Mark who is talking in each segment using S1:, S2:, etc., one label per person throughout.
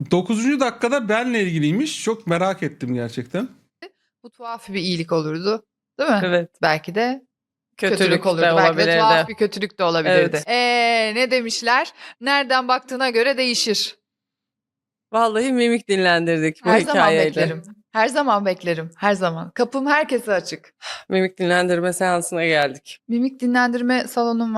S1: 9. dakikada benle ilgiliymiş. Çok merak ettim gerçekten.
S2: Bu tuhaf bir iyilik olurdu. Değil mi?
S3: Evet.
S2: Belki de
S3: Kötülük
S2: kötülük olurdu.
S3: de
S2: Belki de tuhaf
S3: olabilirdi.
S2: bir kötülük de olabilirdi.
S3: Evet.
S2: Ne demişler? Nereden baktığına göre değişir.
S3: Vallahi mimik dinlendirdik bu
S2: Her zaman
S3: hikayeyle.
S2: beklerim. Her zaman beklerim. Her zaman. Kapım herkese açık.
S3: Mimik dinlendirme seansına geldik.
S2: Mimik dinlendirme salonum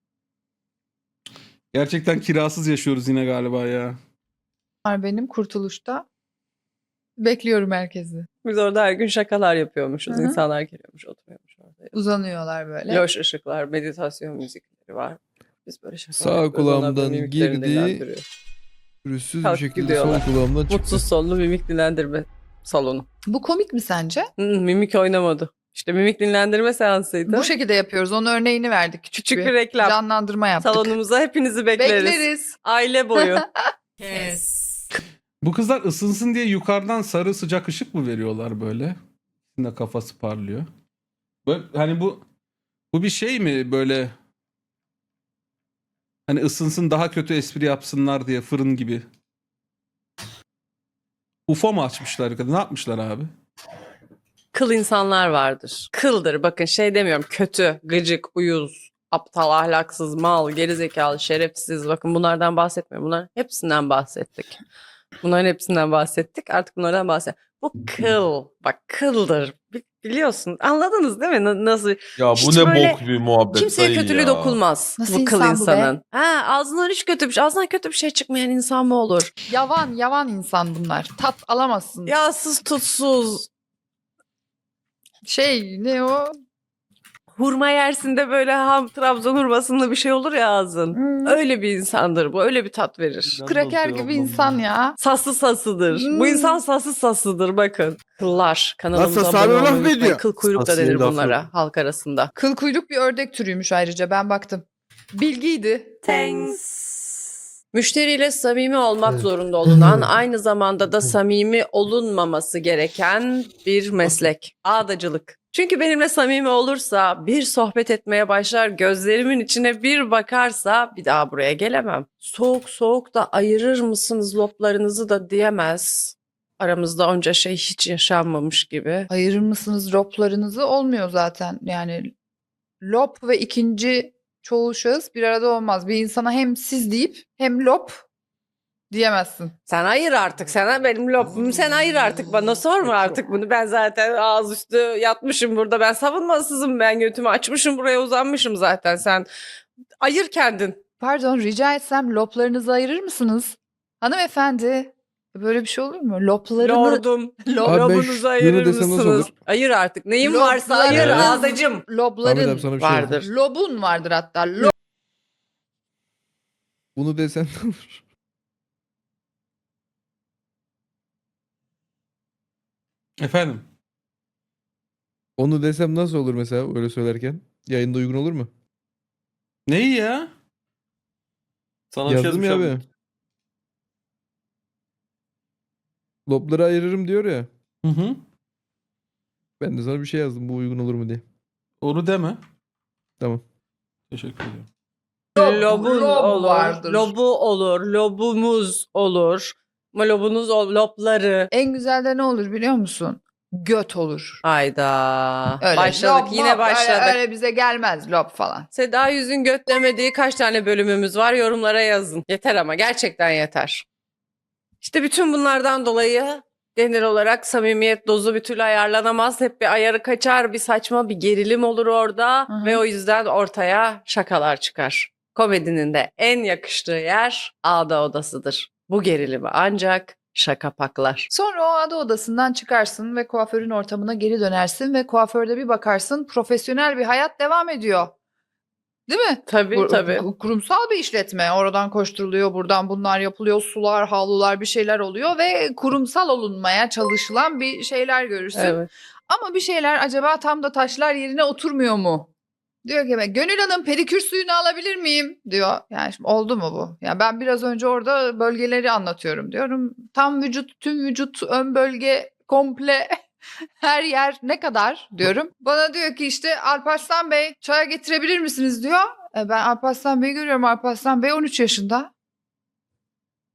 S1: Gerçekten kirasız yaşıyoruz yine galiba ya.
S2: var benim Kurtuluş'ta. Bekliyorum herkesi.
S3: Biz orada her gün şakalar yapıyormuşuz.
S2: Hı hı.
S3: İnsanlar geliyormuş, oturuyormuş orada.
S2: Uzanıyorlar böyle.
S3: Loş ışıklar, meditasyon müzikleri var. Biz böyle şakalar
S4: Sağ
S3: yapıyoruz. Onlar da
S4: kulağımdan
S3: mimiklerini
S4: girdi.
S3: dinlendiriyor.
S4: Pürüzsüz bir
S3: Kalk
S4: şekilde
S3: gidiyorlar.
S4: sol kulağımdan çıktı.
S3: Mutsuz sonlu mimik dinlendirme salonu.
S2: Bu komik mi sence?
S3: Mimik oynamadı. İşte mimik dinlendirme seansıydı.
S2: Bu şekilde yapıyoruz. Onun örneğini verdik.
S3: Küçük bir reklam.
S2: Canlandırma yaptık.
S3: Salonumuza hepinizi bekleriz.
S2: Bekleriz.
S3: Aile boyu.
S1: Bu kızlar ısınsın diye yukarıdan sarı sıcak ışık mı veriyorlar böyle? Şimdi kafası parlıyor. Böyle, hani bu bir şey mi böyle? Hani ısınsın daha kötü espri yapsınlar diye fırın gibi. UFO mu açmışlar? Ne yapmışlar abi?
S3: Kıl insanlar vardır. Kıldır. Bakın şey demiyorum. Kötü, gıcık, uyuz, aptal, ahlaksız, mal, gerizekalı, şerefsiz. Bakın bunlardan bahsetmiyorum. Bunların hepsinden bahsettik. Bunların hepsinden bahsettik. Artık bunlardan bahset. Bu kıl. Bak kıldır. Biliyorsun. Anladınız değil mi? Nasıl?
S5: Ya
S3: Hiç
S5: bu ne
S3: böyle
S5: bok bir muhabbet
S3: Kimseye
S5: dayı
S3: kötülüğü
S5: ya.
S3: dokunmaz.
S2: Nasıl
S3: bu kıl
S2: insan bu be?
S3: insanın. Ha, ağzından hiç kötü bir şey. Ağzından kötü bir şey çıkmayan insan mı olur?
S2: Yavan insan bunlar. Tat alamazsın.
S3: Yağsız tutsuz.
S2: Ne o?
S3: Hurma yersin de böyle Trabzon hurmasında bir şey olur ya ağzın. Öyle bir insandır bu. Öyle bir tat verir.
S2: Kraker gibi insan ya.
S3: Saslı sasıdır. Bu insan saslı sasıdır bakın. Kıllar. Kanalımıza
S4: Nasıl,
S3: abone
S4: sana laf
S3: olmayı
S4: mı
S3: unutmayın.
S4: ediyor?
S3: Kıl kuyruk da
S5: Sası'nın
S3: denir
S5: lafı.
S3: bunlara halk arasında.
S2: Kıl kuyruk bir ördek türüymüş ayrıca. Ben baktım. Bilgiydi.
S3: Müşteriyle samimi olmak zorunda olunan, aynı zamanda da samimi olunmaması gereken bir meslek. Ağdacılık. Çünkü benimle samimi olursa, bir sohbet etmeye başlar, gözlerimin içine bir bakarsa bir daha buraya gelemem. Soğuk soğuk da ayırır mısınız loplarınızı da diyemez. Aramızda onca şey hiç yaşanmamış gibi.
S2: Ayırır mısınız loplarınızı? Olmuyor zaten. Yani lop ve ikinci çoğul şahıs bir arada olmaz. Bir insana hem siz deyip hem lop diyemezsin.
S3: Sen ayır artık. Sana benim lopumu sen ayır artık. Bana sorma artık bunu. Ben zaten ağız üstü yatmışım burada. Ben savunmasızım. Ben götümü açmışım buraya uzanmışım zaten. Sen ayır kendin.
S2: Pardon, rica etsem loplarınızı ayırır mısınız? Hanımefendi. Böyle bir şey olur mu? Loplarını...
S3: Lordum.
S4: Abi ben
S3: Lobunuzu
S4: şunu
S3: ayırır
S4: desem nasıl
S3: mısınız?
S4: olur?
S3: Ayır artık. Neyin varsa ayır
S2: Loblarınız-
S3: ağdacım.
S4: Ahmet
S2: Lobların
S4: abi sana bir şey
S3: Vardır.
S4: yapayım.
S2: lobun vardır hatta.
S4: Bunu desen ne olur?
S1: Efendim?
S4: Onu desem nasıl olur mesela öyle söylerken? Yayında uygun olur mu?
S1: Neyi ya?
S5: Sana bir şey
S4: Yazdım ya
S5: yazmış
S4: abi.
S5: abi.
S4: Lopları ayırırım diyor ya.
S1: Hı hı.
S4: Ben de sana bir şey yazdım bu uygun olur mu diye.
S1: Onu deme.
S4: Tamam.
S1: Teşekkür ederim.
S3: Lobun
S2: lob
S3: olur.
S2: vardır.
S3: Lobu olur. Lobumuz olur. Ama lobunuz lopları.
S2: En güzel de ne olur biliyor musun? Göt olur.
S3: Hayda.
S2: Öyle
S3: Başladık.
S2: lob,
S3: Yine
S2: mop,
S3: başladık.
S2: Öyle bize gelmez lob falan.
S3: Seda Yüz'ün göt demediği kaç tane bölümümüz var yorumlara yazın. Yeter ama gerçekten yeter. İşte bütün bunlardan dolayı genel olarak samimiyet dozu bir türlü ayarlanamaz. Hep bir ayarı kaçar, bir saçma bir gerilim olur orada
S2: Hı hı.
S3: ve o yüzden ortaya şakalar çıkar. Komedinin de en yakıştığı yer ağda odasıdır. Bu gerilimi ancak şaka paklar.
S2: Sonra o ada odasından çıkarsın ve kuaförün ortamına geri dönersin ve kuaförde bir bakarsın profesyonel bir hayat devam ediyor. Değil mi?
S3: Tabii tabii.
S2: Kurumsal bir işletme. Oradan koşturuluyor, buradan bunlar yapılıyor, sular, havlular bir şeyler oluyor ve kurumsal olunmaya çalışılan bir şeyler görürsün.
S3: Evet.
S2: Ama bir şeyler acaba tam da taşlar yerine oturmuyor mu? Diyor ki Gönül Hanım pedikür suyunu alabilir miyim? Diyor. Yani şimdi oldu mu bu? Yani ben biraz önce orada bölgeleri anlatıyorum diyorum. Tam vücut, tüm vücut, ön bölge komple her yer ne kadar diyorum. Bana diyor ki işte Alparslan Bey çaya getirebilir misiniz diyor. Ben Alparslan Bey'i görüyorum. Alparslan Bey 13 yaşında.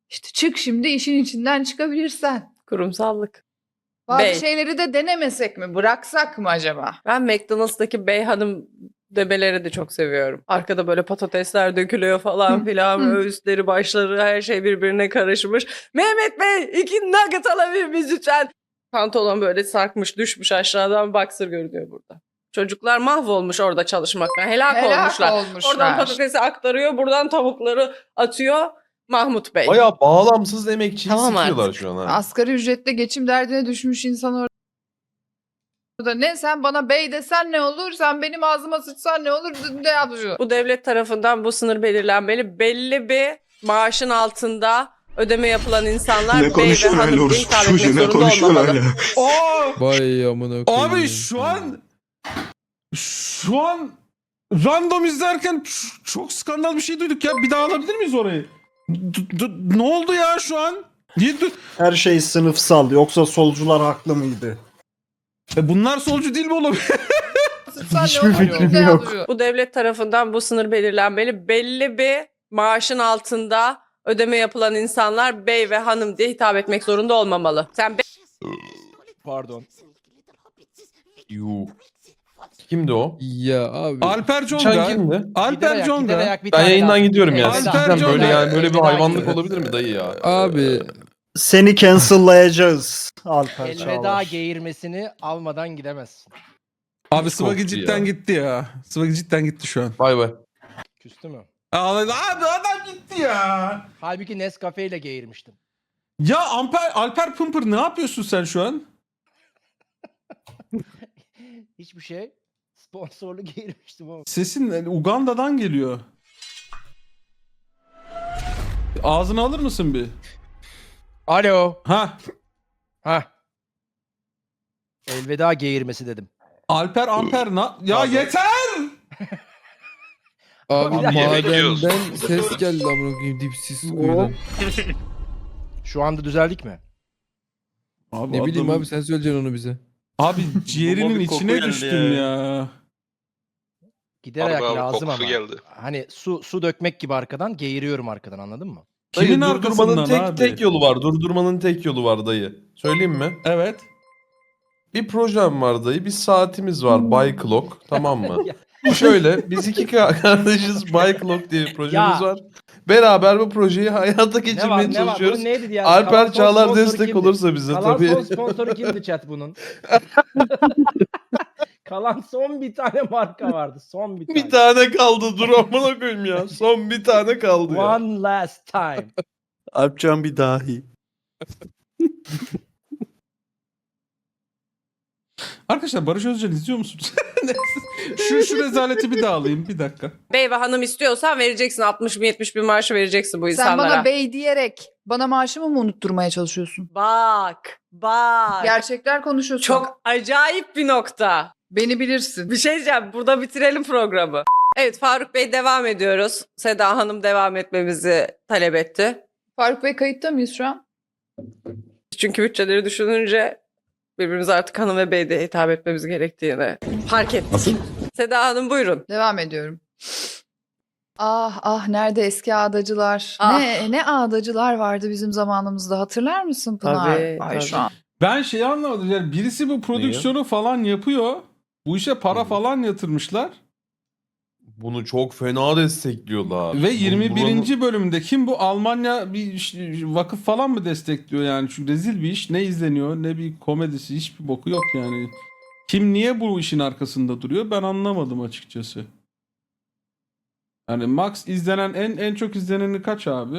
S2: İşte çık şimdi işin içinden çıkabilirsen.
S3: Kurumsallık.
S2: Bazı
S3: Bey.
S2: şeyleri de denemesek mi? Bıraksak mı acaba?
S3: Ben McDonald's'taki bey hanım demeleri de çok seviyorum. Arkada böyle patatesler dökülüyor falan filan. Böyle üstleri başları her şey birbirine karışmış. Mehmet Bey 2 nugget alabilir miyiz lütfen? Pantolon böyle sarkmış düşmüş aşağıdan boxer görünüyor burada. Çocuklar mahvolmuş orada çalışmaktan. Helak olmuşlar. Oradan patatesi aktarıyor, buradan tavukları atıyor Mahmut Bey.
S5: Bayağı bağlamsız emekçiyi
S3: Tamam
S5: sikiyorlar
S3: artık.
S5: şu an ha.
S2: Asgari ücretle geçim derdine düşmüş insan orada. Ne sen bana bey desen ne olur? Sen benim ağzıma sıçsan ne olur? Ne yapıyorsun?
S3: Bu devlet tarafından bu sınır belirlenmeli. Belli bir maaşın altında ödeme yapılan insanlar bey ve hanım diye hitap etmek zorunda olmamalı.
S1: Aa!
S4: Vay amına koyayım.
S1: Abi şu an random izlerken çok skandal bir şey duyduk ya. Bir daha alabilir miyiz orayı? Ne oldu ya şu an?
S6: Her şey sınıfsal. Yoksa solcular haklı mıydı?
S1: Bunlar solcu değil mi oğlum?
S2: Sıçsan ne
S6: Hiçbir
S2: olur?
S6: fikrim
S2: Ne
S6: yok.
S2: yapıyorsun?
S3: Bu devlet tarafından bu sınır belirlenmeli. Belli bir maaşın altında ödeme yapılan insanlar bey ve hanım diye hitap etmek zorunda olmamalı. Sen
S7: Pardon.
S5: Yuh. Kimdi o?
S4: Ya abi.
S1: Alper
S5: Çan
S1: Conga.
S5: kimdi?
S1: Alper Conga.
S5: Ben yayından gidiyorum ya.
S1: Alper
S5: Sizden
S1: Conga.
S5: böyle yani böyle bir
S7: Elveda
S5: hayvanlık
S7: gidiyor.
S5: olabilir mi dayı ya?
S4: Abi.
S6: Seni cancel'layacağız Alper
S7: Elveda
S6: Çağlar.
S7: geğirmesini almadan gidemezsin.
S1: Abi Swaggy
S5: Korktu
S1: cidden
S5: ya.
S1: gitti ya. Swaggy cidden gitti şu an.
S5: Bay bay.
S7: Küstü mü?
S1: Abi adam gitti ya.
S7: Halbuki Nescafe ile geğirmiştim.
S1: Ya Alper Pımpır ne yapıyorsun sen şu an?
S7: Hiçbir şey. Sponsorlu geğirmiştim ama.
S1: Sesin Uganda'dan geliyor. Ağzını alır mısın bir?
S7: Alo.
S1: Ha.
S7: Hah. Elveda geğirmesi dedim.
S1: Alper Amper ya
S7: Pardon.
S1: yeter!
S4: Abi
S7: Bir dakika.
S4: madenden ses geldi amına koyayım dipsiz kuyudan.
S7: Şu anda düzeldik mi?
S1: Abi
S4: Ne bileyim abi sen söyleyeceksin onu bize.
S1: Abi ciğerinin
S5: Baba bir koku
S1: içine
S5: geldi
S1: düştüm
S5: ya.
S1: ya.
S7: Gider ayak
S8: Harbi abi,
S7: lazım
S8: kokusu
S7: ama.
S8: geldi.
S7: Hani su dökmek gibi arkadan geğiriyorum arkadan, anladın mı?
S5: Dayı
S1: Kimin
S5: durdurmanın
S1: arkasından abi?
S5: tek yolu var. Durdurmanın tek yolu var dayı. Söyleyeyim mi?
S1: Evet.
S5: Bir projem var dayı. Bir saatimiz var. By Clock. Tamam mı? Şöyle biz iki kardeşiz. By Clock diye bir projemiz
S7: Ya.
S5: var. Beraber bu projeyi hayata
S7: Ne var
S5: geçirmeye
S7: ne var?
S5: çalışıyoruz.
S7: Bunun neydi yani?
S5: Alper
S7: Kalan son
S5: Çağlar
S7: sponsoru
S5: destek
S7: kimdi?
S5: olursa bize
S7: Kalan
S5: tabii.
S7: son sponsoru kimdi chat bunun? Kalan son bir tane marka vardı. Son bir tane.
S5: Bir tane kaldı. Dur amına koyayım ya. Son bir tane kaldı ya.
S7: One last time.
S6: Alpcan bir dahi.
S1: Arkadaşlar Barış Özcan izliyor musunuz? şu rezaleti bir daha alayım bir dakika.
S3: bey ve hanım istiyorsan vereceksin 60 bin 70 bin maaşı vereceksin bu
S2: Sen
S3: insanlara.
S2: bana bey diyerek bana maaşımı mı unutturmaya çalışıyorsun?
S3: Bak.
S2: Gerçekler konuşuyorsun.
S3: Çok acayip bir nokta.
S2: Beni bilirsin.
S3: Bir şey diyeceğim. Burada bitirelim programı. Evet Faruk Bey devam ediyoruz. Seda Hanım devam etmemizi talep etti.
S2: Faruk Bey kayıtta mıyız şu an?
S3: Çünkü bütçeleri düşününce birbirimize artık hanım ve bey de hitap etmemiz gerektiğini fark ettik.
S5: Nasıl?
S3: Seda Hanım buyurun.
S2: Devam ediyorum. Ah ah nerede eski ağdacılar?
S3: Ah.
S2: Ne ağdacılar vardı bizim zamanımızda, hatırlar mısın Pınar?
S3: Tabii,
S2: Ay
S3: tabii.
S2: şu an.
S1: Ben şeyi anlamadım yani birisi bu prodüksiyonu falan yapıyor. Bu işe para falan yatırmışlar.
S5: Bunu çok fena destekliyorlar.
S1: Ve 21. bölümde kim bu Almanya vakıf falan mı destekliyor yani? Çünkü rezil bir iş. Ne izleniyor ne bir komedisi, hiçbir boku yok yani. Kim niye bu işin arkasında duruyor ben anlamadım açıkçası. Yani max izlenen en çok izleneni kaç abi?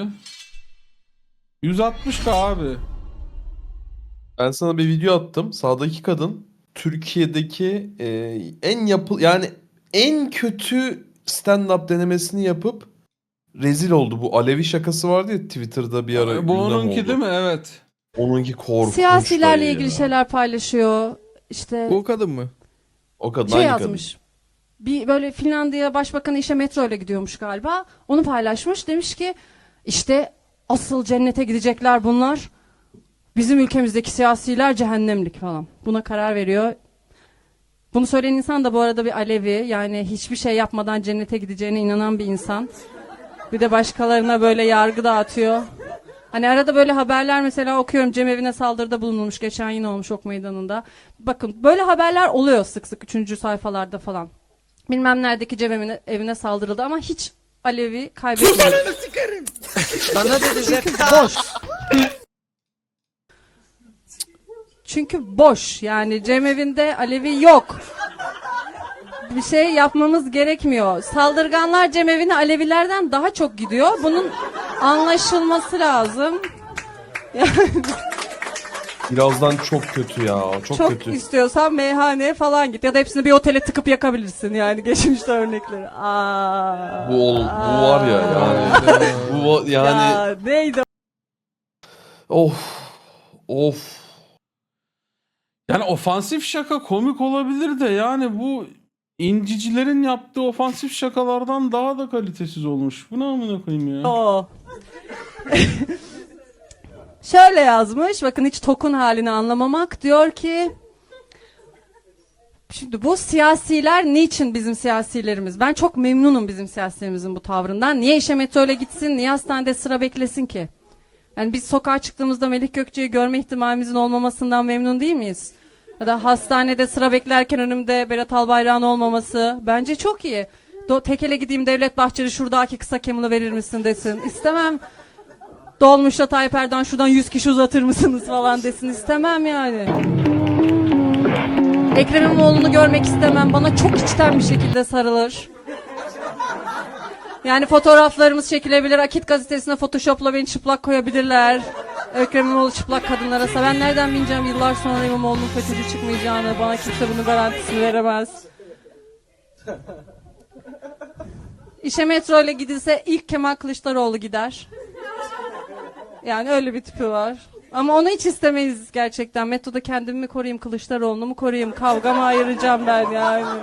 S1: 160K abi.
S5: Ben sana bir video attım. Sağdaki kadın Türkiye'deki yani en kötü stand-up denemesini yapıp rezil oldu. Bu Alevi şakası vardı ya Twitter'da bir ara
S1: Bu
S5: gündem
S1: onunki
S5: oldu.
S1: değil mi? Evet.
S5: Onunki korkunç
S9: Siyasilerle
S5: dayı
S9: ilgili
S5: ya.
S9: şeyler paylaşıyor. İşte
S4: O kadın mı?
S5: O kadın
S9: şey
S5: aynı
S9: yazmış. Bir böyle Finlandiya Başbakanı işe metro ile gidiyormuş galiba. Onu paylaşmış. Demiş ki işte asıl cennete gidecekler bunlar. Bizim ülkemizdeki siyasiler cehennemlik falan. Buna karar veriyor. Bunu söyleyen insan da bu arada bir Alevi. Yani hiçbir şey yapmadan cennete gideceğine inanan bir insan. Bir de başkalarına böyle yargı dağıtıyor. Hani arada böyle haberler mesela okuyorum, cemevine saldırıda bulunulmuş, geçen yine olmuş Ok Meydanı'nda. Bakın böyle haberler oluyor sık sık 3. sayfalarda falan. Bilmem neredeki evine saldırıldı ama hiç Alevi kaybetmedi.
S7: Sana dedi
S9: Boş. Çünkü boş, yani cemevinde Alevi yok. Bir şey yapmamız gerekmiyor. Saldırganlar cemevine Alevilerden daha çok gidiyor. Bunun anlaşılması lazım.
S5: Birazdan çok kötü ya. Çok
S9: Çok
S5: kötü.
S9: istiyorsan meyhaneye falan git ya da hepsini bir otele tıkıp yakabilirsin, yani geçmişte örnekleri. Aa,
S5: Bu var ya yani. Bu yani
S9: Ya neydi?
S5: of of.
S1: Yani ofansif şaka komik olabilir de yani bu incicilerin yaptığı ofansif şakalardan daha da kalitesiz olmuş. Bu ne amına koyayım ya?
S9: O. Şöyle yazmış. Bakın, hiç tokun halini anlamamak. Diyor ki, şimdi bu siyasiler niçin bizim siyasilerimiz? Ben çok memnunum bizim siyasilerimizin bu tavrından. Niye işe metroyla gitsin? Niye hastanede sıra beklesin ki? Yani biz sokağa çıktığımızda Melih Gökçe'yi görme ihtimalimizin olmamasından memnun değil miyiz? Ya da hastanede sıra beklerken önümde Berat Albayrak'ın olmaması bence çok iyi. Tekele gideyim, Devlet Bahçeli şuradaki kısa kemını verir misin desin. İstemem. Dolmuşta Tayyip Erdoğan şuradan 100 kişi uzatır mısınız falan desin. İstemem yani. Ekrem İmamoğlu'nu görmek istemem. Bana çok içten bir şekilde sarılır. Yani fotoğraflarımız çekilebilir. Akit gazetesine Photoshop'la beni çıplak koyabilirler. Ekrem İmamoğlu çıplak kadınlara. Ben nereden bileceğim yıllar sonra İmamoğlu'nun FETÖ'cü çıkmayacağını? Bana kimse bunun garantisini veremez. İşe metro ile gidilse ilk Kemal Kılıçdaroğlu gider. Yani öyle bir tipi var. Ama onu hiç istemeyiz gerçekten. Metroda kendimi mi koruyayım, Kılıçdaroğlu'nu mu koruyayım? Kavga mı ayıracağım ben yani?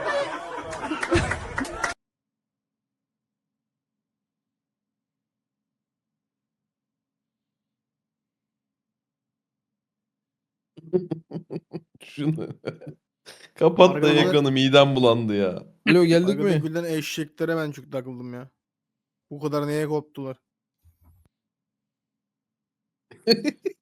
S5: Şunu. Kapat da
S8: Arkadaşlar-
S5: ekranı, midem bulandı ya.
S4: Alo geldik
S8: Arkadaki
S4: mi?
S8: gülen eşeklere ben çok takıldım ya. Bu kadar neye koptular?